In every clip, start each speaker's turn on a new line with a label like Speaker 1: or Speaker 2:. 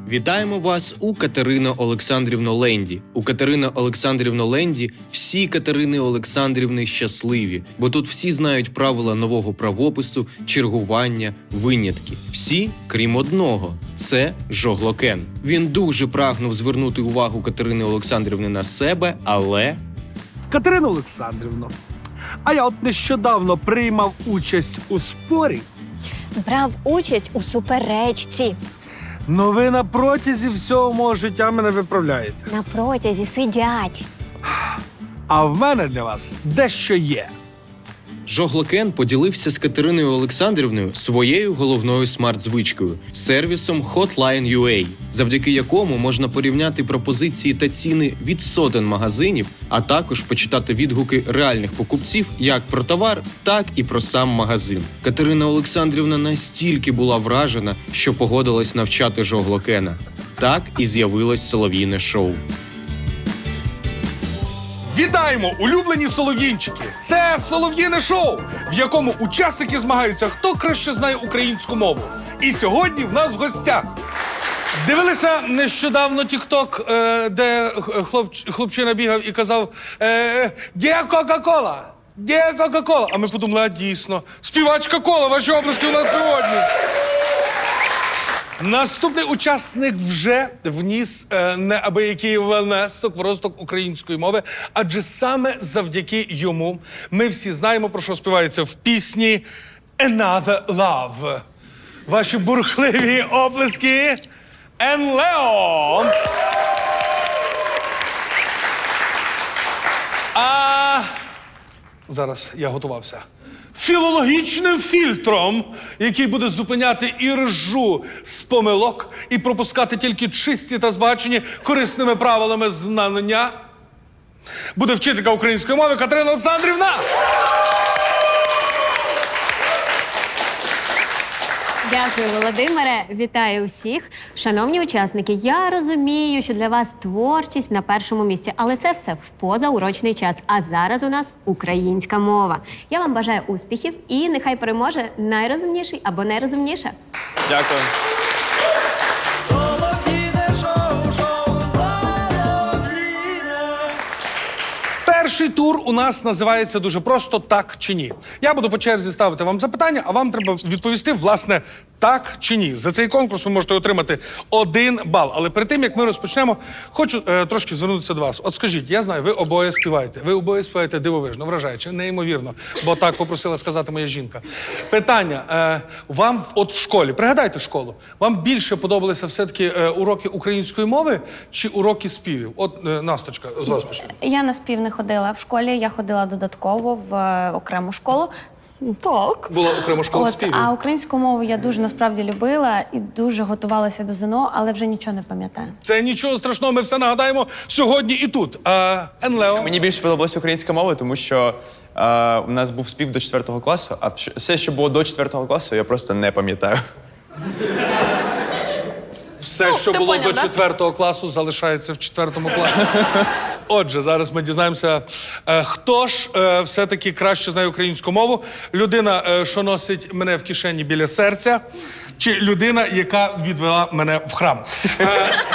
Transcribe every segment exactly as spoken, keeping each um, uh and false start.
Speaker 1: Вітаємо вас у Катерино Олександрівно Ленді. У Катерино Олександрівно Ленді всі Катерини Олександрівни щасливі, бо тут всі знають правила нового правопису, чергування, винятки. Всі, крім одного – це Жоглокен. Він дуже прагнув звернути увагу Катерини Олександрівни на себе, але…
Speaker 2: Катерино Олександрівно, а я от нещодавно приймав участь у спорі.
Speaker 3: Брав участь у суперечці.
Speaker 2: Ну ви на протязі всього мого життя мене виправляєте.
Speaker 3: На протязі сидять.
Speaker 2: А в мене для вас дещо є.
Speaker 1: Жоглокен поділився з Катериною Олександрівною своєю головною смарт-звичкою – сервісом Hotline.ua, завдяки якому можна порівняти пропозиції та ціни від сотень магазинів, а також почитати відгуки реальних покупців як про товар, так і про сам магазин. Катерина Олександрівна настільки була вражена, що погодилась навчати Жоглокена. Так і з'явилось солов'їне шоу.
Speaker 4: Вітаємо, улюблені солов'їнчики! Це солов'їне шоу, в якому учасники змагаються, хто краще знає українську мову. І сьогодні в нас в гостях. Дивилися нещодавно тік-ток, е, де хлоп, хлопчина бігав і казав е, «Де Кока-Кола? Де Кока-Кола?» А ми подумали, а дійсно, співачка Кола, ваші обласки у нас сьогодні. Наступний учасник вже вніс е, неабиякий внесок в розвиток української мови, адже саме завдяки йому ми всі знаємо, про що співається в пісні «Another Love». Ваші бурхливі оплески Енлео! А зараз я готувався. Філологічним фільтром, який буде зупиняти і ржу з помилок і пропускати тільки чисті та збагачені корисними правилами знання, буде вчителька української мови Катерина Олександрівна.
Speaker 5: Дякую, Володимире. Вітаю усіх. Шановні учасники, я розумію, що для вас творчість на першому місці, але це все в позаурочний час. А зараз у нас українська мова. Я вам бажаю успіхів і нехай переможе найрозумніший або найрозумніша.
Speaker 6: Дякую.
Speaker 4: Перший тур у нас називається дуже просто «Так чи ні». Я буду по черзі ставити вам запитання, а вам треба відповісти, власне, так чи ні. За цей конкурс ви можете отримати один бал. Але перед тим, як ми розпочнемо, хочу е, трошки звернутися до вас. От скажіть, я знаю, ви обоє співаєте. Ви обоє співаєте дивовижно, вражаюче, неймовірно. Бо так попросила сказати моя жінка. Питання. Е, вам от в школі, пригадайте школу, вам більше подобалися все-таки е, уроки української мови чи уроки співів? От, е, Насточка, з вас почнемо.
Speaker 7: Я на спів не ходила в школі, я ходила додатково в е, окрему школу. Так.
Speaker 4: Була окрема школа
Speaker 7: От,
Speaker 4: співів.
Speaker 7: а українську мову я дуже насправді любила і дуже готувалася до ЗНО, але вже нічого не пам'ятаю.
Speaker 4: Це нічого страшного, ми все нагадаємо сьогодні і тут. А, Енлео?
Speaker 6: Мені більше подобалася українська мова, тому що е, у нас був спів до четвертого класу, а все, що було до четвертого класу, я просто не пам'ятаю.
Speaker 4: Все, що
Speaker 7: ти
Speaker 4: було
Speaker 7: поняв,
Speaker 4: до
Speaker 7: да?
Speaker 4: четвертого класу, залишається в четвертому класі. Отже, зараз ми дізнаємося, е, хто ж е, все-таки краще знає українську мову. Людина, е, що носить мене в кишені біля серця, чи людина, яка відвела мене в храм. Е,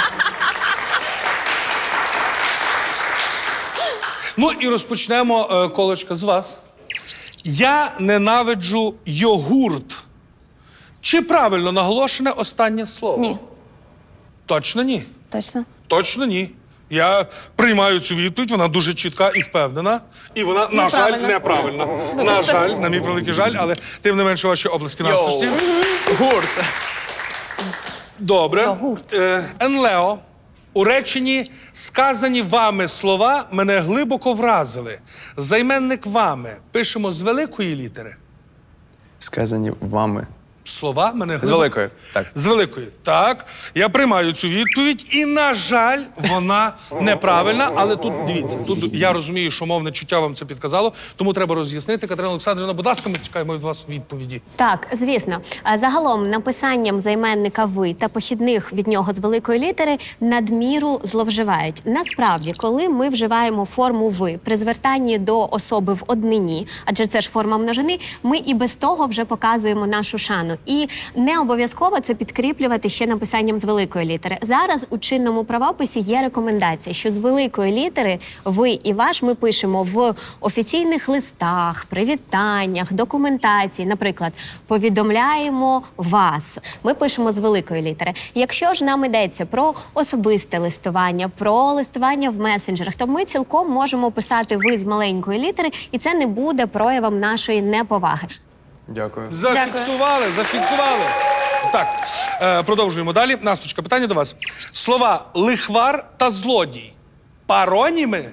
Speaker 4: ну і розпочнемо е, колочка з вас. Я ненавиджу йогурт. Чи правильно наголошене останнє слово?
Speaker 7: Ні.
Speaker 4: Точно ні.
Speaker 7: Точно?
Speaker 4: Точно ні. Я приймаю цю відповідь, вона дуже чітка і впевнена. І вона, на жаль, неправильна. На жаль, на мій превеликий жаль, але тим не менше ваші обласки насточні.
Speaker 6: Гурт.
Speaker 4: Добре.
Speaker 7: Йогурт.
Speaker 4: Е, Енлео, у реченні «сказані вами слова мене глибоко вразили». Займенник «вами» пишемо з великої літери.
Speaker 6: Сказані вами.
Speaker 4: Слова мене глибоко...
Speaker 6: З великої, так.
Speaker 4: З великої. Так, я приймаю цю відповідь, і, на жаль, вона неправильна. Але тут, дивіться, тут я розумію, що мовне чуття вам це підказало, тому треба роз'яснити. Катерина Олександрівна, будь ласка, ми чекаємо від вас відповіді.
Speaker 5: Так, звісно. А загалом написанням займенника «ви» та похідних від нього з великої літери надміру зловживають. Насправді, коли ми вживаємо форму «ви» при звертанні до особи в однині, адже це ж форма множини, ми і без того вже показуємо нашу шану. закону. І не обов'язково це підкріплювати ще написанням з великої літери. Зараз у чинному правописі є рекомендація, що з великої літери ви і ваш ми пишемо в офіційних листах, привітаннях, документації. Наприклад, повідомляємо вас. Ми пишемо з великої літери. Якщо ж нам йдеться про особисте листування, про листування в месенджерах, то ми цілком можемо писати ви з маленької літери, і це не буде проявом нашої неповаги.
Speaker 6: Дякую.
Speaker 4: Зафіксували, зафіксували. Так, е, продовжуємо далі. Насточка, питання до вас. Слова лихвар та злодій. Пароніми?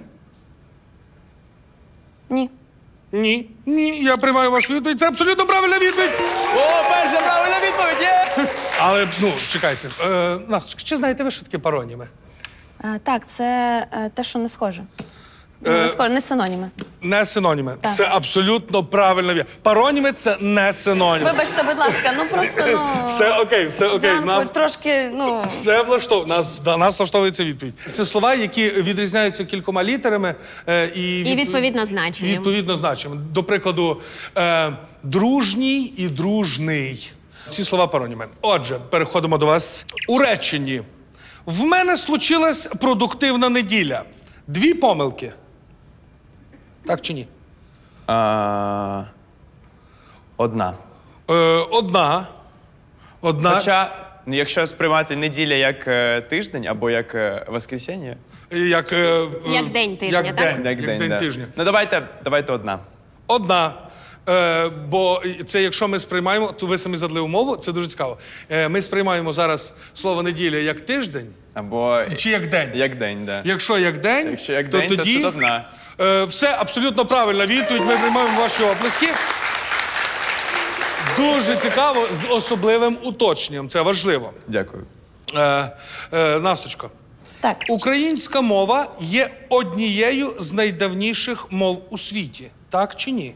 Speaker 7: Ні.
Speaker 4: Ні. Ні, я приймаю вашу відповідь. Це абсолютно правильна відповідь.
Speaker 6: О, перша правильна відповідь! Є!
Speaker 4: Але, ну, чекайте. Е, Насточка, чи знаєте ви, що таке пароніми?
Speaker 7: Е, так, це е, те, що не схоже. Ну,
Speaker 4: Е,
Speaker 7: не схоже, не синоніми.
Speaker 4: Не синоніми.
Speaker 7: Так.
Speaker 4: Це абсолютно правильна відповідь. Пароніми – це не синоніми.
Speaker 7: Вибачте, будь ласка, ну просто, ну...
Speaker 4: Все окей, все окей.
Speaker 7: Зранку
Speaker 4: Нам...
Speaker 7: трошки, ну...
Speaker 4: Все влаштовує. Нас, да, нас влаштовується відповідь. Це слова, які відрізняються кількома літерами е, і,
Speaker 5: І відповідно значенням.
Speaker 4: Відповідно значенням. До прикладу, е, дружній і дружний. Ці слова пароніми. Отже, переходимо до вас. У реченні. В мене случилась продуктивна неділя. Дві помилки. Так чи ні?
Speaker 6: А, одна.
Speaker 4: Е, одна. Одна.
Speaker 6: Хоча, ну, якщо сприймати неділя як е, тиждень або як е, воскресіння,
Speaker 4: Як, е,
Speaker 5: Як день тижня,
Speaker 4: як
Speaker 5: так?
Speaker 4: День,
Speaker 6: як,
Speaker 4: як день
Speaker 6: да.
Speaker 4: тижня.
Speaker 6: Ну давайте, давайте одна.
Speaker 4: Одна. Е, бо це, якщо ми сприймаємо, то ви самі задали умову, це дуже цікаво. Е, ми сприймаємо зараз слово неділя як тиждень
Speaker 6: Або
Speaker 4: чи як день.
Speaker 6: як день, да.
Speaker 4: Якщо як день,
Speaker 6: Якщо як
Speaker 4: то
Speaker 6: день, то
Speaker 4: тоді
Speaker 6: тут одна.
Speaker 4: Е, все абсолютно правильна відповідь. Ми приймаємо ваші оплески. Дуже цікаво, з особливим уточненням. Це важливо.
Speaker 6: Дякую.
Speaker 4: Е, е, Насточко.
Speaker 7: Так.
Speaker 4: Українська мова є однією з найдавніших мов у світі. Так чи ні?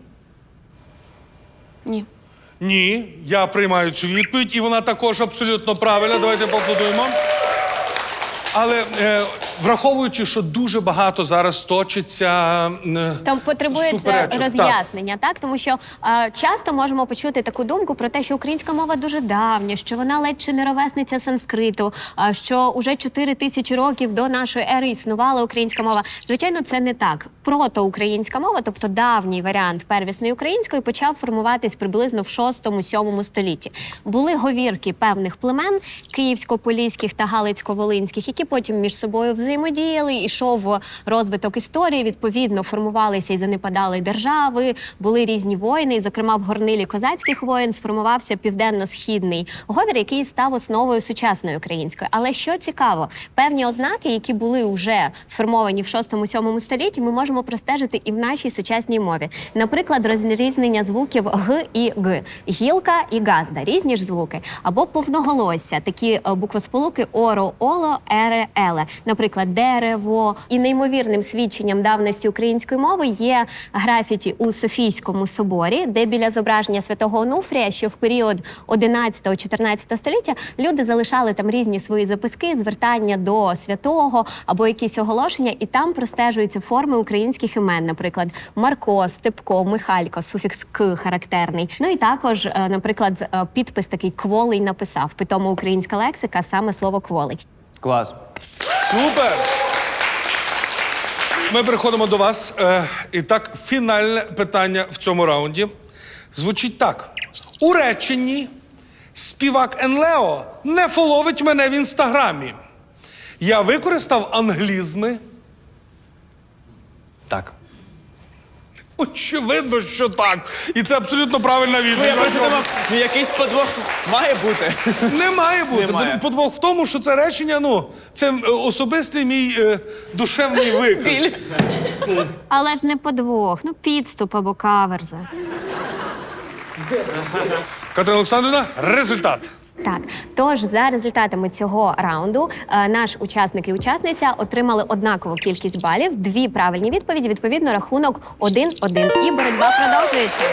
Speaker 7: Ні.
Speaker 4: Ні, я приймаю цю відповідь, і вона також абсолютно правильна. Давайте поаплодуємо. Але е, враховуючи, що дуже багато зараз точиться е,
Speaker 5: Там потребується
Speaker 4: суперечок.
Speaker 5: роз'яснення, так. так тому що е, часто можемо почути таку думку про те, що українська мова дуже давня, що вона ледь чи не ровесниця санскриту, е, що уже чотири тисячі років до нашої ери існувала українська мова. Звичайно, це не так. Протоукраїнська мова, тобто давній варіант первісної української, почав формуватись приблизно в шостому-сьомому столітті. Були говірки певних племен київсько-поліських та галицько-волинських, які потім між собою взаємодіяли, ішов розвиток історії, відповідно формувалися і занепадали держави, були різні воїни, і, зокрема, в горнилі козацьких воїн сформувався південно-східний говір, який став основою сучасної української. Але що цікаво, певні ознаки, які були вже сформовані в шостому-сьомому столітті, ми можемо простежити і в нашій сучасній мові. Наприклад, розрізнення звуків г і г, гілка і газда, різні ж звуки, або повноголосся, такі буквосполуки оро, оло, ере, еле. Наприклад, дерево. І неймовірним свідченням давності української мови є графіті у Софійському соборі, де біля зображення святого Онуфрія, що в період одинадцятого-чотирнадцятого століття люди залишали там різні свої записки, звертання до святого або якісь оголошення, і там простежуються форми українських імен, наприклад, Марко, Степко, Михалько, суфікс «к» характерний. Ну і також, наприклад, підпис такий «кволий» написав, питомо українська лексика, саме слово «кволий».
Speaker 6: Клас.
Speaker 4: Супер! Ми переходимо до вас. Е, і так, фінальне питання в цьому раунді звучить так. У реченні співак Енлео не фоловить мене в інстаграмі. Я використав англізми.
Speaker 6: Так.
Speaker 4: Очевидно, що так. І це абсолютно правильна
Speaker 6: Ну, я
Speaker 4: відповідь.
Speaker 6: просто думав, ну якийсь подвох має бути.
Speaker 4: Не має бути.
Speaker 6: Немає.
Speaker 4: Подвох в тому, що це речення, ну, це е, особистий мій е, душевний виклик.
Speaker 5: Але ж не подвох, ну підступ або каверза.
Speaker 4: Катерина Олександрівна, результат.
Speaker 5: Так, тож за результатами цього раунду е, наш учасник і учасниця отримали однакову кількість балів, дві правильні відповіді, відповідно рахунок один-один. І боротьба продовжується.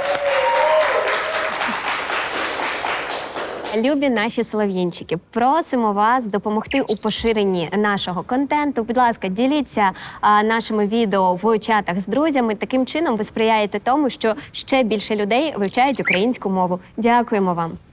Speaker 5: Любі наші солов'їнчики, просимо вас допомогти у поширенні нашого контенту. Будь ласка, діліться а, нашими відео в чатах з друзями. Таким чином ви сприяєте тому, що ще більше людей вивчають українську мову. Дякуємо вам.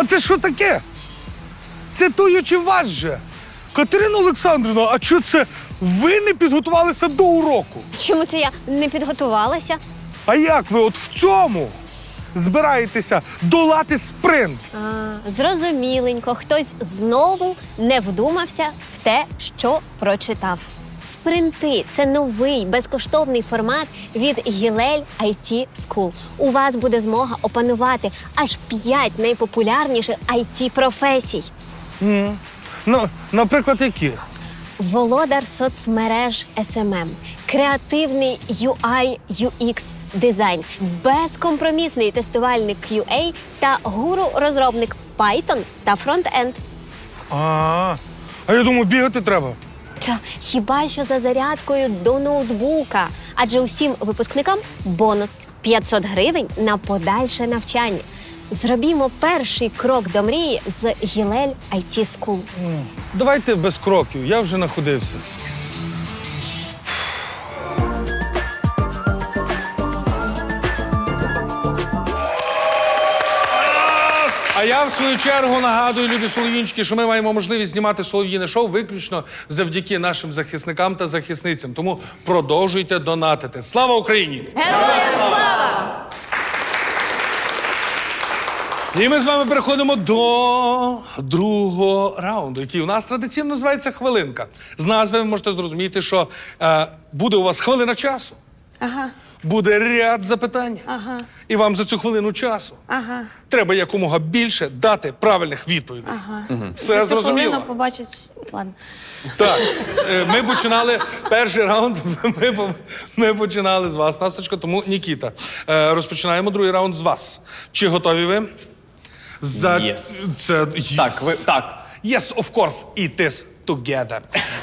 Speaker 4: А це що таке? Цитуючи вас же. Катерина Олександрівна, а що це ви не підготувалися до уроку?
Speaker 3: Чому це я не підготувалася?
Speaker 4: А як ви от в цьому збираєтеся долати спринт?
Speaker 3: А, зрозуміленько, хтось знову не вдумався в те, що прочитав. Спринти – це новий безкоштовний формат від Гілель ай ті School. У вас буде змога опанувати аж п'ять найпопулярніших ай ті-професій.
Speaker 4: М. Ну, наприклад, яких?
Speaker 3: Володар соцмереж ес ем ем, креативний ю ай ю екс дизайн, безкомпромісний тестувальник кю ей та гуру-розробник Python та фронт-енд.
Speaker 4: А, а я думаю, бігати треба.
Speaker 3: Та хіба що за зарядкою до ноутбука? Адже усім випускникам бонус п'ятсот гривень на подальше навчання. Зробімо перший крок до мрії з Гілель ай ті School.
Speaker 4: Давайте без кроків, я вже находився. А я, в свою чергу, нагадую, любі солов'їнчики, що ми маємо можливість знімати солов'їне шоу виключно завдяки нашим захисникам та захисницям. Тому продовжуйте донатити. Слава Україні!
Speaker 7: Героям слава!
Speaker 4: І ми з вами переходимо до другого раунду, який у нас традиційно називається «Хвилинка». З назви ви можете зрозуміти, що е, буде у вас хвилина часу,
Speaker 7: Ага,
Speaker 4: буде ряд запитань,
Speaker 7: ага,
Speaker 4: і вам за цю хвилину часу
Speaker 7: ага,
Speaker 4: треба якомога більше дати правильних відповідей.
Speaker 7: ага.
Speaker 4: Все
Speaker 7: За цю
Speaker 4: зрозуміло?
Speaker 7: хвилину побачить... Ладно.
Speaker 4: Так, е, ми починали перший раунд, ми, по- ми починали з вас, Насточко, тому Нікіта. Е, розпочинаємо другий раунд з вас. Чи готові ви? За...
Speaker 6: Yes.
Speaker 4: Це...
Speaker 6: Так, ви, так.
Speaker 4: Yes, of course, it is together.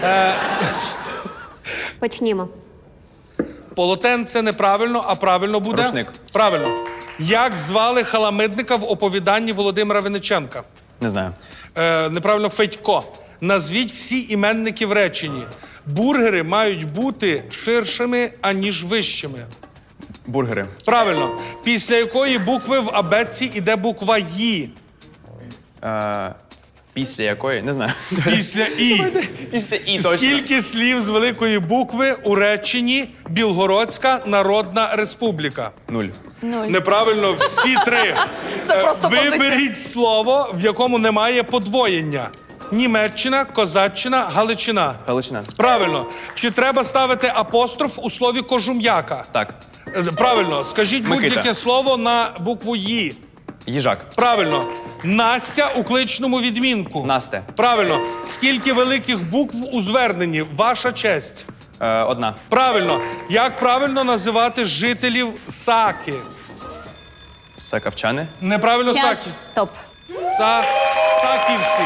Speaker 5: Почнімо.
Speaker 4: Полотенце неправильно, а правильно буде?
Speaker 6: Рушник.
Speaker 4: Правильно. Як звали халамидника в оповіданні Володимира Винниченка?
Speaker 6: Не знаю.
Speaker 4: Е, неправильно, Федько. Назвіть всі іменники в реченні. Бургери мають бути ширшими, аніж вищими.
Speaker 6: Бургери.
Speaker 4: Правильно. Після якої букви в абетці іде буква «Ї»?
Speaker 6: Е, після якої? Не знаю.
Speaker 4: Після «І».
Speaker 6: Після і точно.
Speaker 4: Скільки слів з великої букви у реченні Білгородська Народна Республіка?
Speaker 6: Нуль.
Speaker 7: Нуль.
Speaker 4: Неправильно, всі три.
Speaker 7: Це
Speaker 4: Е,
Speaker 7: просто позиція.
Speaker 4: Виберіть слово, в якому немає подвоєння. Німеччина, Козаччина, Галичина.
Speaker 6: Галичина.
Speaker 4: Правильно. Чи треба ставити апостроф у слові кожум'яка?
Speaker 6: Так.
Speaker 4: Е, Правильно. Скажіть
Speaker 6: Микита.
Speaker 4: будь-яке слово на букву «Ї».
Speaker 6: Їжак.
Speaker 4: Правильно. Настя у кличному відмінку.
Speaker 6: Насте.
Speaker 4: Правильно. Скільки великих букв у зверненні? Ваша честь.
Speaker 6: Е, одна.
Speaker 4: Правильно. Як правильно називати жителів Саки?
Speaker 6: Сакавчани.
Speaker 4: Неправильно
Speaker 5: Час.
Speaker 4: Саки.
Speaker 5: Стоп.
Speaker 4: Са... Саківці.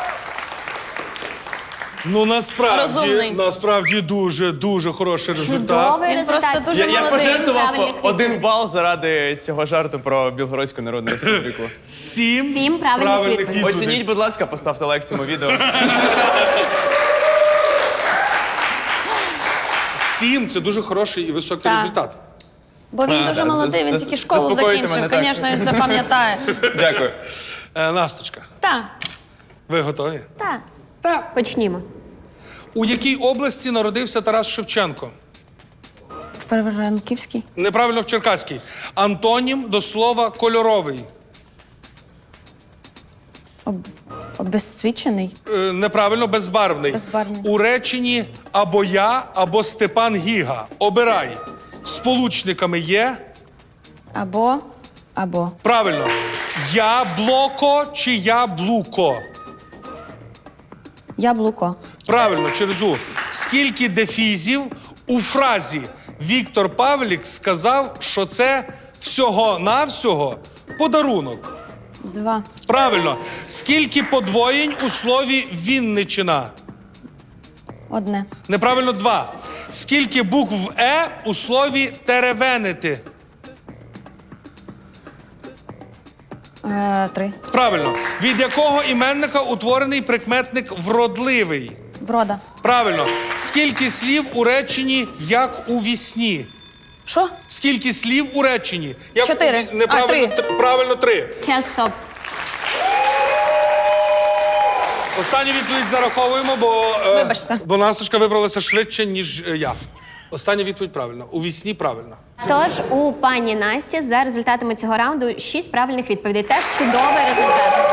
Speaker 4: Ну, насправді,
Speaker 7: Розумний.
Speaker 4: насправді дуже, дуже хороший результат.
Speaker 3: Чудовий
Speaker 7: Він
Speaker 3: результат.
Speaker 7: просто дуже
Speaker 6: Я, я
Speaker 7: молодий.
Speaker 6: пожертвував
Speaker 5: правильних
Speaker 6: один
Speaker 5: відповідей.
Speaker 6: бал заради цього жарту про Білгородську Народну Республіку.
Speaker 4: Сім,
Speaker 5: Сім правильних відповідей.
Speaker 6: Оцініть, будь ласка, поставте лайк цьому відео.
Speaker 4: Сім – це дуже хороший і високий
Speaker 7: Так.
Speaker 4: результат.
Speaker 7: Бо він
Speaker 6: А,
Speaker 7: дуже
Speaker 6: да,
Speaker 7: молодий, він
Speaker 6: зас-
Speaker 7: тільки школу
Speaker 6: заспокоїте
Speaker 7: закінчив.
Speaker 6: мене, так.
Speaker 7: Звісно, він запам'ятає.
Speaker 6: Дякую.
Speaker 4: Е, Насточка,
Speaker 7: Так,
Speaker 4: ви готові?
Speaker 7: так.
Speaker 4: Так.
Speaker 5: Почнімо.
Speaker 4: У якій області народився Тарас Шевченко?
Speaker 7: В Франківській.
Speaker 4: Неправильно, в Черкаській. Антонім до слова кольоровий.
Speaker 7: Об... Обезцвічений.
Speaker 4: Е, неправильно, безбарвний.
Speaker 7: Безбарвний.
Speaker 4: У реченні або я, або Степан Гіга. Обирай. Сполучниками є.
Speaker 7: Або. Або.
Speaker 4: Правильно. Яблоко чи яблуко?
Speaker 7: Яблуко.
Speaker 4: Правильно, через У. Скільки дефізів у фразі Віктор Павлік сказав, що це всього-навсього подарунок?
Speaker 7: Два.
Speaker 4: Правильно. Скільки подвоєнь у слові Вінничина?
Speaker 7: Одне.
Speaker 4: Неправильно, два. Скільки букв Е у слові теревенити?
Speaker 7: Е, три.
Speaker 4: Правильно. Від якого іменника утворений прикметник вродливий?
Speaker 7: Врода.
Speaker 4: Правильно. Скільки слів у реченні як у вісні?
Speaker 7: Що?
Speaker 4: Скільки слів у реченні? Як
Speaker 7: Чотири.
Speaker 4: у ві- Неправильно,
Speaker 7: А, три.
Speaker 4: тр- правильно, три.
Speaker 5: Час стоп.
Speaker 4: Останню відповідь зараховуємо, бо, е,
Speaker 7: Вибачте.
Speaker 4: бо Насточка вибралася швидше, ніж е, я. Остання відповідь правильно. У вісні правильно.
Speaker 5: Тож у пані Насті за результатами цього раунду шість правильних відповідей. Теж чудовий результат.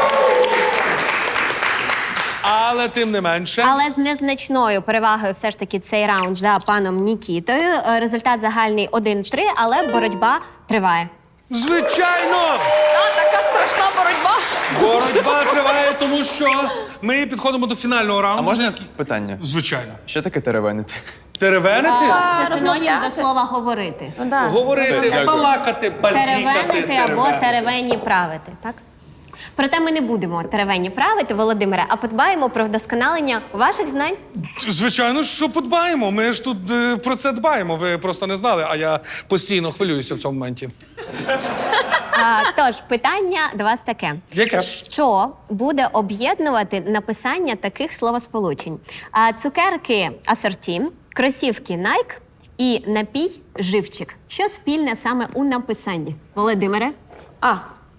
Speaker 4: Але тим не менше.
Speaker 5: Але з незначною перевагою все ж таки цей раунд за паном Нікітою. Е, Результат загальний один-три, але боротьба триває.
Speaker 4: Звичайно!
Speaker 7: А, така страшна боротьба.
Speaker 4: Боротьба триває, тому що ми підходимо до фінального раунду.
Speaker 6: А можна питання?
Speaker 4: Звичайно.
Speaker 6: Що таке теревенити?
Speaker 4: Теревенити?
Speaker 5: Це синонім до слова говорити.
Speaker 7: Ну, да.
Speaker 4: Говорити,
Speaker 6: Все, дякую.
Speaker 4: балакати, базікати.
Speaker 5: Теревенити або
Speaker 4: теревенити.
Speaker 5: теревені правити, так? Проте ми не будемо теревені правити, Володимире, а подбаємо про вдосконалення ваших знань.
Speaker 4: Звичайно, що подбаємо. Ми ж тут е, про це дбаємо. Ви просто не знали, а я постійно хвилююся в цьому моменті.
Speaker 5: А, тож, питання до вас таке.
Speaker 4: Яке?
Speaker 5: Що буде об'єднувати написання таких словосполучень? А, цукерки асорті, кросівки Nike і напій живчик. Що спільне саме у написанні? Володимире?
Speaker 7: А,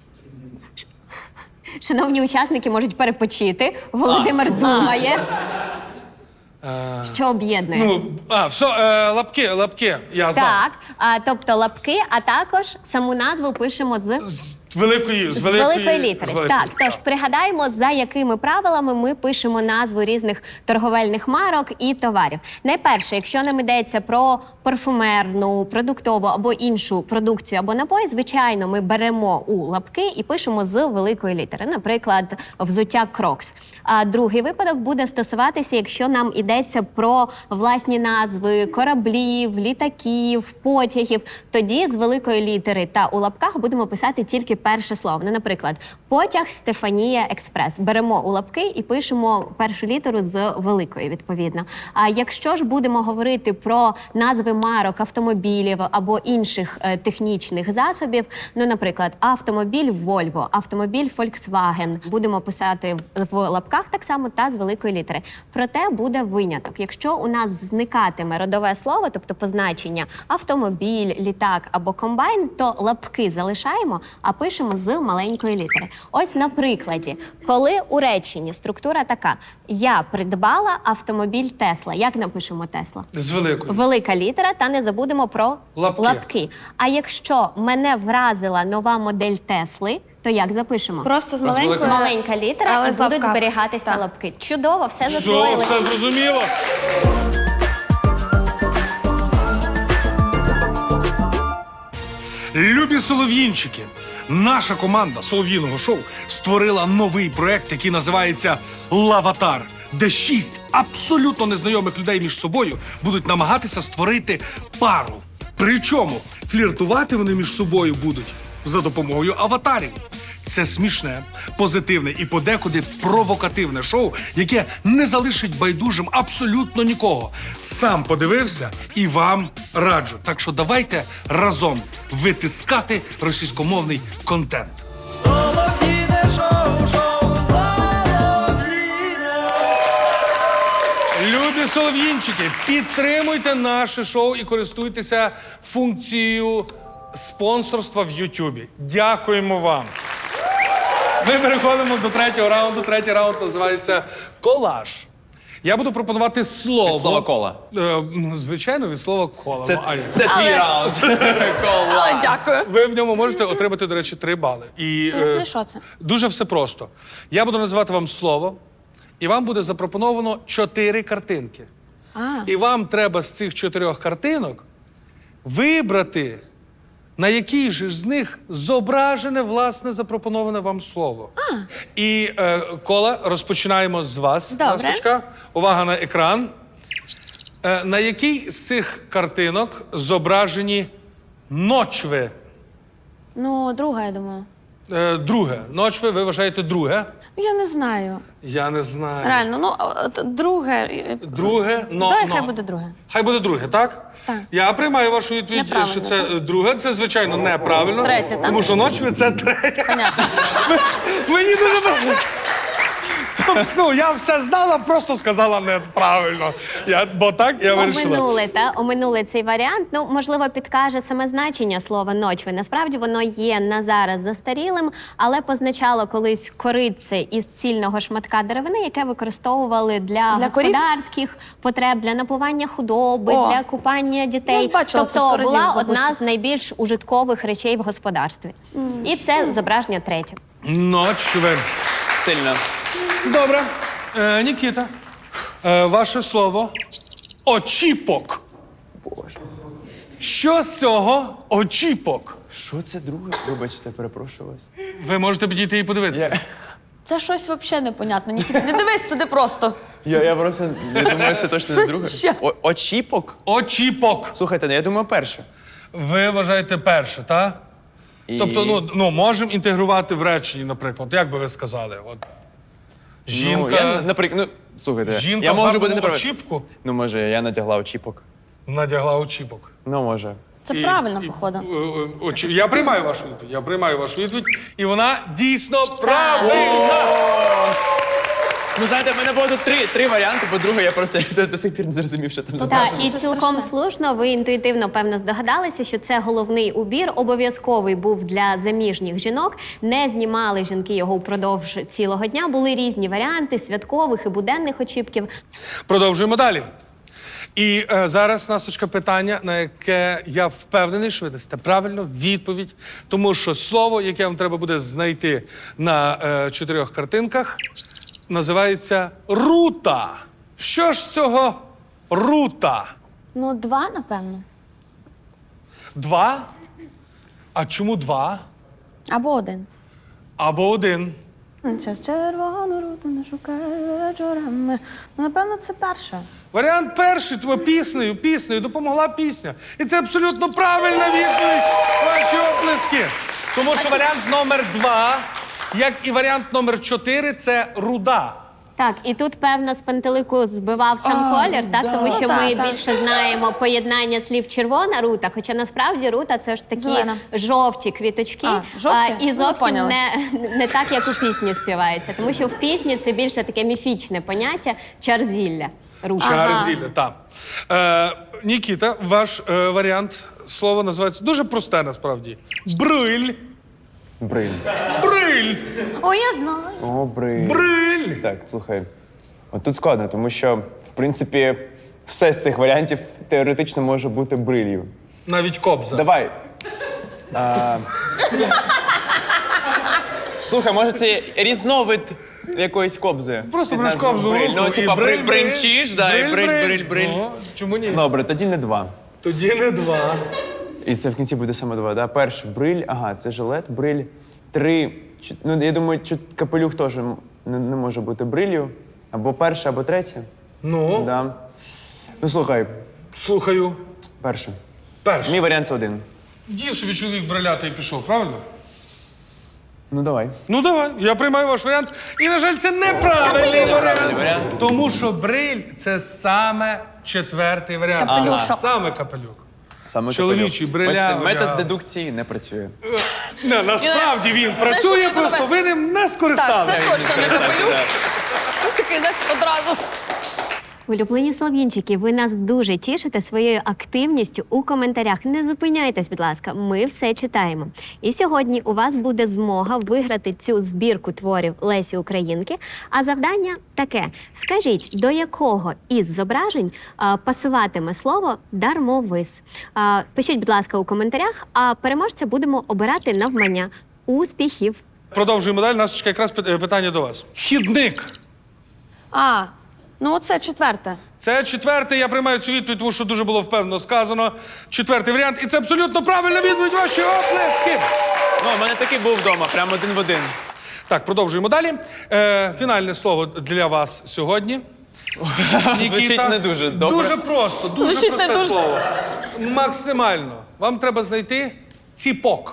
Speaker 5: Шановні учасники можуть перепочити. Володимир думає. Що об'єднує?
Speaker 4: Ну, а, все, е, лапки, лапки, я знав.
Speaker 5: Так, а, тобто лапки, а також саму назву пишемо з,
Speaker 4: З великої, з
Speaker 5: з
Speaker 4: великої,
Speaker 5: великої літери.
Speaker 4: з великої,
Speaker 5: Так, тож пригадаємо, за якими правилами ми пишемо назву різних торговельних марок і товарів. Найперше, якщо нам йдеться про парфумерну, продуктову або іншу продукцію або напої, звичайно, ми беремо у лапки і пишемо з великої літери. Наприклад, взуття Crocs. А другий випадок буде стосуватися, якщо нам йдеться про власні назви кораблів, літаків, потягів, тоді з великої літери та у лапках будемо писати тільки перше слово. Ну, наприклад, потяг Стефанія Експрес. Беремо у лапки і пишемо першу літеру з великої, відповідно. А якщо ж будемо говорити про назви марок автомобілів або інших е, технічних засобів, ну, наприклад, автомобіль Volvo, автомобіль Volkswagen, будемо писати в, в лапках так само та з великої літери. Проте буде виняток. Якщо у нас зникатиме родове слово, тобто позначення автомобіль, літак або комбайн, то лапки залишаємо, а пишемо з маленької літери. Ось на прикладі, коли у реченні структура така: я придбала автомобіль Тесла. Як напишемо Тесла?
Speaker 4: З великої.
Speaker 5: Велика літера, та не забудемо про
Speaker 4: Лапки.
Speaker 5: лапки. А якщо мене вразила нова модель Тесли, то як запишемо?
Speaker 7: просто з
Speaker 6: Просто
Speaker 7: маленькою.
Speaker 5: Маленька літера,
Speaker 7: але
Speaker 5: і
Speaker 7: з
Speaker 5: будуть
Speaker 7: лапками.
Speaker 5: зберігатися
Speaker 7: Так.
Speaker 5: лапки. Чудово, все
Speaker 4: Все,
Speaker 5: засвоїли.
Speaker 4: все зрозуміло. Любі солов'їнчики, наша команда солов'їного шоу створила новий проект, який називається «Лаватар», де шість абсолютно незнайомих людей між собою будуть намагатися створити пару. Причому фліртувати вони між собою будуть за допомогою аватарів. Це смішне, позитивне і подекуди провокативне шоу, яке не залишить байдужим абсолютно нікого. Сам подивився і вам раджу. Так що давайте разом витискати російськомовний контент. Любі солов'їнчики, підтримуйте наше шоу і користуйтеся функцією спонсорства в Ютубі. Дякуємо вам. Ми переходимо до третього раунду. Третій раунд називається «Колаж». Я буду пропонувати слово.
Speaker 6: Від слова «кола».
Speaker 4: Е, ну, звичайно, від слова «кола».
Speaker 6: Це,
Speaker 4: Ну, а як?
Speaker 6: це твій раунд. Кола.
Speaker 7: Дякую.
Speaker 4: Ви в ньому можете отримати, до речі, три бали. І, е,
Speaker 7: Поясни, що це?
Speaker 4: Дуже все просто. Я буду називати вам слово, і вам буде запропоновано чотири картинки.
Speaker 7: А.
Speaker 4: І вам треба з цих чотирьох картинок вибрати, на якій же з них зображене, власне, запропоноване вам слово. А. І, е, Кола, розпочинаємо з вас.
Speaker 7: Добре.
Speaker 4: Насточка. Увага на екран. Е, на якій з цих картинок зображені ночви?
Speaker 7: Ну, друга, я думаю.
Speaker 4: Е, друге. Ночви, ви вважаєте друге?
Speaker 7: Я не знаю.
Speaker 4: Я не знаю.
Speaker 7: Реально, ну, от, друге. е,
Speaker 4: Друге, но,
Speaker 7: Дай,
Speaker 4: но.
Speaker 7: хай буде друге.
Speaker 4: Хай буде друге, так?
Speaker 7: Так.
Speaker 4: Я приймаю вашу відповідь,
Speaker 7: Неправильно,
Speaker 4: що це
Speaker 7: так?
Speaker 4: е, друге. Це, звичайно, неправильно.
Speaker 7: Третє, так?
Speaker 4: Тому що ночви це третє.
Speaker 7: Понятно.
Speaker 4: Мені дуже подобається. Ну, я все знала, просто сказала неправильно. Я, бо так я вирішила.
Speaker 5: Оминули, та оминули цей варіант. Ну, можливо, підкаже саме значення слова ночви. Насправді воно є на зараз застарілим, але позначало колись коритце із цільного шматка деревини, яке використовували для,
Speaker 7: Для корів?
Speaker 5: господарських потреб, для напування худоби,
Speaker 7: О.
Speaker 5: для купання дітей.
Speaker 7: Я ж бачила це
Speaker 5: тобто
Speaker 7: сто разів
Speaker 5: була
Speaker 7: в бабусі.
Speaker 5: одна з найбільш ужиткових речей в господарстві. І це зображення третє.
Speaker 4: Ночви.
Speaker 6: Сильно.
Speaker 4: Добре. Е, Нікіта, е, ваше слово очіпок.
Speaker 6: Боже.
Speaker 4: Що з цього очіпок?
Speaker 6: Що це друге? Вибачте, перепрошую вас.
Speaker 4: Ви можете підійти і подивитися.
Speaker 6: Я,
Speaker 7: Це щось взагалі непонятне. Нікіт, не дивись туди просто.
Speaker 6: я, я просто я думаю, це точно не
Speaker 7: Щось
Speaker 6: друге.
Speaker 7: ще.
Speaker 6: О, очіпок?
Speaker 4: Очіпок.
Speaker 6: Слухайте, ну, я думаю, перше.
Speaker 4: Ви вважаєте перше, так?
Speaker 6: І...
Speaker 4: Тобто, ну, ну можемо інтегрувати в реченні, наприклад. Як би ви сказали? От. Жінка.
Speaker 6: Ну, я, наприклад, ну, слухайте,
Speaker 4: Жінка
Speaker 6: я
Speaker 4: в
Speaker 6: можу бути
Speaker 4: гарному
Speaker 6: неправильний.
Speaker 4: очіпку
Speaker 6: Ну, може, я надягла очіпок.
Speaker 4: надягла очіпок.
Speaker 6: Ну, може.
Speaker 7: Це
Speaker 4: І-
Speaker 7: правильно,
Speaker 4: і-
Speaker 7: походу.
Speaker 4: е, е, очі- Я приймаю вашу відповідь. Я приймаю вашу відповідь. І вона дійсно правильна.
Speaker 6: Ну, знаєте, в мене було тут три, три варіанти, бо друге я просто до, до сих пір не зрозумів, що там
Speaker 5: Так,
Speaker 6: зображено.
Speaker 5: і цілком слушно, ви інтуїтивно, певно, здогадалися, що це головний убір, обов'язковий був для заміжніх жінок. Не знімали жінки його впродовж цілого дня. Були різні варіанти святкових і буденних очіпків.
Speaker 4: Продовжуємо далі. І е, зараз, Насточка, питання, на яке я впевнений, що ви дасте правильно відповідь. Тому що слово, яке вам треба буде знайти на е, чотирьох картинках, називається рута. Що ж з цього рута?
Speaker 7: Ну, два, напевно.
Speaker 4: Два? А чому два?
Speaker 7: Або один.
Speaker 4: Або один?
Speaker 7: Час червону руту не шукаю вечорами. Ну, напевно, це перше.
Speaker 4: Варіант перший, тому піснею, піснею допомогла пісня. І це абсолютно правильна відповідь. Ваші оплески. Тому що варіант номер два, як і варіант номер чотири, це руда.
Speaker 5: Так, і тут, певно, з пантелику збивав сам колір, так? Тому що
Speaker 7: Ну,
Speaker 5: ми
Speaker 7: так, так.
Speaker 5: більше знаємо поєднання слів червона рута, хоча насправді рута це ж такі
Speaker 7: Зелена.
Speaker 5: жовті квіточки.
Speaker 7: А, жовті?
Speaker 5: і
Speaker 7: Ну,
Speaker 5: зовсім
Speaker 7: поняли.
Speaker 5: не, не так, як у пісні співається. Тому що в пісні це більше таке міфічне поняття чарзілля. Рута.
Speaker 4: Чарзілля, так. Е, Нікіта, ваш е, варіант слова називається дуже просте насправді. Бриль.
Speaker 6: Бриль.
Speaker 4: Бриль.
Speaker 7: О, я знаю.
Speaker 6: О, бриль.
Speaker 4: Бриль.
Speaker 6: Так, слухай. От тут складно, тому що, в принципі, все з цих варіантів теоретично може бути брилью.
Speaker 4: Навіть кобза.
Speaker 6: Давай. А... Слухай, може це різновид якоїсь кобзи?
Speaker 4: Просто
Speaker 6: Під
Speaker 4: береш
Speaker 6: назвою
Speaker 4: кобзу в
Speaker 6: бриль.
Speaker 4: руку
Speaker 6: Ну,
Speaker 4: і
Speaker 6: типа,
Speaker 4: бриль,
Speaker 6: бриль, бринчиш, да, і бриль, бриль, бриль.
Speaker 4: О, чому ні?
Speaker 6: Добре, тоді не два.
Speaker 4: Тоді не два.
Speaker 6: І це в кінці буде саме два, да? Перший бриль, ага, це жилет, бриль. Три. чот- Ну, я думаю, чот- капелюх теж м- не, не може бути брилью. Або перше, або третє.
Speaker 4: Ну,
Speaker 6: Да. Ну, слухай,
Speaker 4: слухаю.
Speaker 6: перше.
Speaker 4: Перший.
Speaker 6: Мій варіант це один.
Speaker 4: Дів собі чоловік бриляти і пішов, правильно?
Speaker 6: Ну, давай.
Speaker 4: Ну давай, я приймаю ваш варіант. І, на жаль, це неправильний варіант.
Speaker 6: варіант.
Speaker 4: Тому що бриль це саме четвертий варіант.
Speaker 7: Капелюшок.
Speaker 4: Це саме капелюк.
Speaker 6: Саме
Speaker 4: Чоловічий,
Speaker 6: капелюх.
Speaker 4: бриля,
Speaker 6: Бачите, метод
Speaker 4: одяг.
Speaker 6: дедукції не працює.
Speaker 4: Не, насправді він працює,
Speaker 7: що
Speaker 4: просто ви ним не скористалися.
Speaker 7: точно не капелюх. Такий не одразу.
Speaker 5: Улюблені солов'їнчики, ви нас дуже тішите своєю активністю у коментарях. Не зупиняйтесь, будь ласка, ми все читаємо. І сьогодні у вас буде змога виграти цю збірку творів Лесі Українки. А завдання таке: скажіть, до якого із зображень а, пасуватиме слово дармовис? А, пишіть, будь ласка, у коментарях, а переможця будемо обирати навмання. Успіхів!
Speaker 4: Продовжуємо далі. Насточка, якраз пит- е, питання до вас. Хідник.
Speaker 7: А, ну оце четверте.
Speaker 4: Це четвертий, я приймаю цю відповідь, тому що дуже було впевнено сказано. Четвертий варіант. І це абсолютно правильна відповідь. Ваші оплески.
Speaker 6: Ну, у мене такий був вдома, прямо один в один.
Speaker 4: Так, продовжуємо далі. Е, фінальне слово для вас сьогодні.
Speaker 6: Звучить не дуже добре.
Speaker 4: Дуже просто, дуже
Speaker 7: Звучить не
Speaker 4: просте
Speaker 7: дуже.
Speaker 4: слово. Максимально. Вам треба знайти ціпок.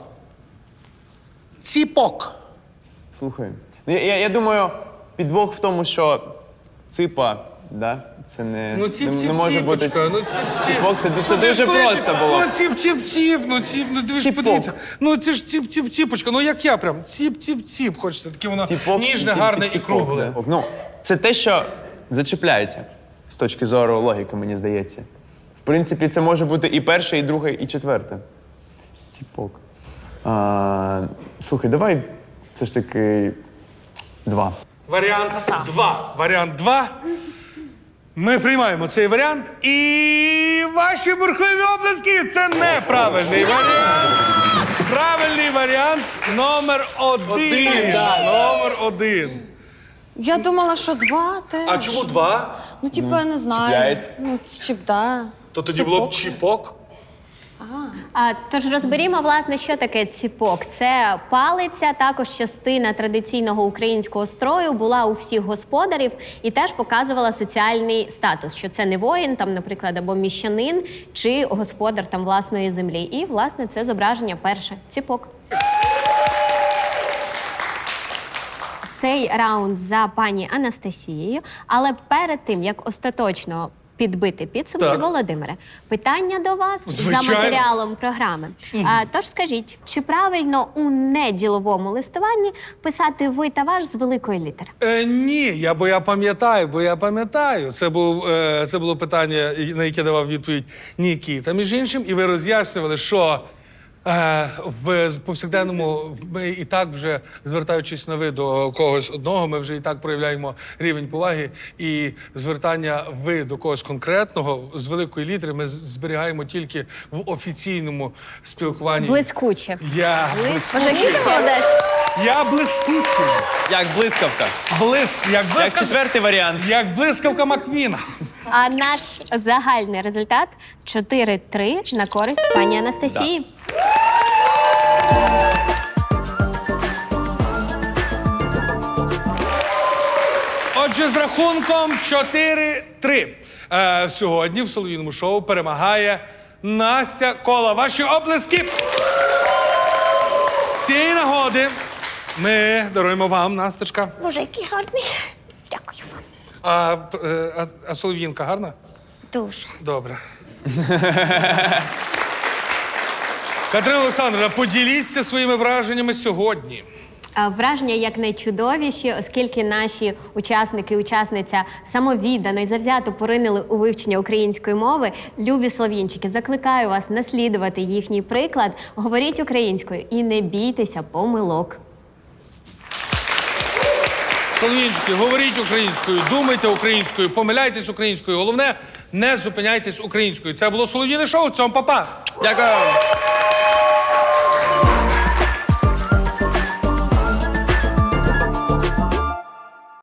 Speaker 4: Ціпок.
Speaker 6: Слухай, ну, я, я, я думаю, підвох в тому, що ципа, да? Це не,
Speaker 4: Ну, ціп,
Speaker 6: не,
Speaker 4: ціп,
Speaker 6: не може бути.
Speaker 4: ціпочка, ну, ціп, ціп.
Speaker 6: Ціпок, це, це
Speaker 4: Ну, ти
Speaker 6: дуже
Speaker 4: ж кличеш,
Speaker 6: просто було.
Speaker 4: Ну, ціп, ціп, ціп, ну, ціп, ну, ви ж
Speaker 6: Ціпок.
Speaker 4: подивіться. Ну, це ж ціп, ціп, ціпочка, ну, як я прям, ціп, ціп, ціп, хочеться, таке воно
Speaker 6: Ціпок,
Speaker 4: ніжне,
Speaker 6: тільки
Speaker 4: гарне і
Speaker 6: ціпок,
Speaker 4: кругле.
Speaker 6: да. Ну, це те, що зачіпляється з точки зору логіки, мені здається. В принципі, це може бути і перше, і друге, і четверте. Ціпок. А, слухай, давай все ж таки два.
Speaker 4: Варіант два. Варіант два. Ми приймаємо цей варіант, і ваші бурхливі обласки – це неправильний варіант. Правильний варіант номер один.
Speaker 6: Один, да.
Speaker 4: Номер один.
Speaker 7: Я думала, що два теж.
Speaker 4: А чому два?
Speaker 7: Ну, типу, я не знаю.
Speaker 6: чіпляють.
Speaker 7: Ну, це чіп, да.
Speaker 4: То тоді було б чіпок.
Speaker 5: А, тож розберімо, власне, що таке ціпок. Це палиця, також частина традиційного українського строю, була у всіх господарів і теж показувала соціальний статус, що це не воїн, там, наприклад, або міщанин, чи господар там власної землі. І, власне, це зображення перше – ціпок. Цей раунд за пані Анастасією, але перед тим, як остаточно підбити підсумки,
Speaker 4: Так.
Speaker 5: Володимире, питання до вас
Speaker 4: Звичайно.
Speaker 5: за матеріалом програми. А, тож скажіть, чи правильно у неділовому листуванні писати ви та ваш з великої літери?
Speaker 4: Е, ні, я, бо я пам'ятаю, бо я пам'ятаю. Це, був, е, це було питання, на яке давав відповідь Нікіта, між іншим, і ви роз'яснювали, що е, в повсякденному ми і так вже, звертаючись на ви до когось одного, ми вже і так проявляємо рівень поваги, і звертання ви до когось конкретного з великої літери ми з- зберігаємо тільки в офіційному спілкуванні.
Speaker 5: Блискуче.
Speaker 4: Я
Speaker 5: Може,
Speaker 4: блискучий.
Speaker 5: Нікіта молодець?
Speaker 4: Я блискучий.
Speaker 6: Як блискавка.
Speaker 4: Блиск, як
Speaker 6: Як
Speaker 4: блискавка.
Speaker 6: четвертий варіант.
Speaker 4: Як блискавка Маквіна.
Speaker 5: А наш загальний результат – чотири три на користь пані Анастасії.
Speaker 4: Отже, з рахунком чотири три. Е, сьогодні в солов'їному шоу перемагає Настя Кола. Ваші оплески! З цієї нагоди ми даруємо вам, Насточка.
Speaker 3: Боже, який гарний. Дякую вам.
Speaker 4: А, е, а, а солов'їнка гарна?
Speaker 3: Дуже.
Speaker 4: Добре. Катерина Олександровна, поділіться своїми враженнями сьогодні.
Speaker 5: А, Враження як найчудовіші, оскільки наші учасники і учасниця самовіддано і завзято поринили у вивчення української мови. Любі слов'янчики, закликаю вас наслідувати їхній приклад. Говоріть українською і не бійтеся помилок.
Speaker 4: Солов'їнчики, говоріть українською, думайте українською, помиляйтесь українською. Головне, не зупиняйтесь українською. Це було Солов'їне шоу. Цьом, па-па!
Speaker 6: Дякую.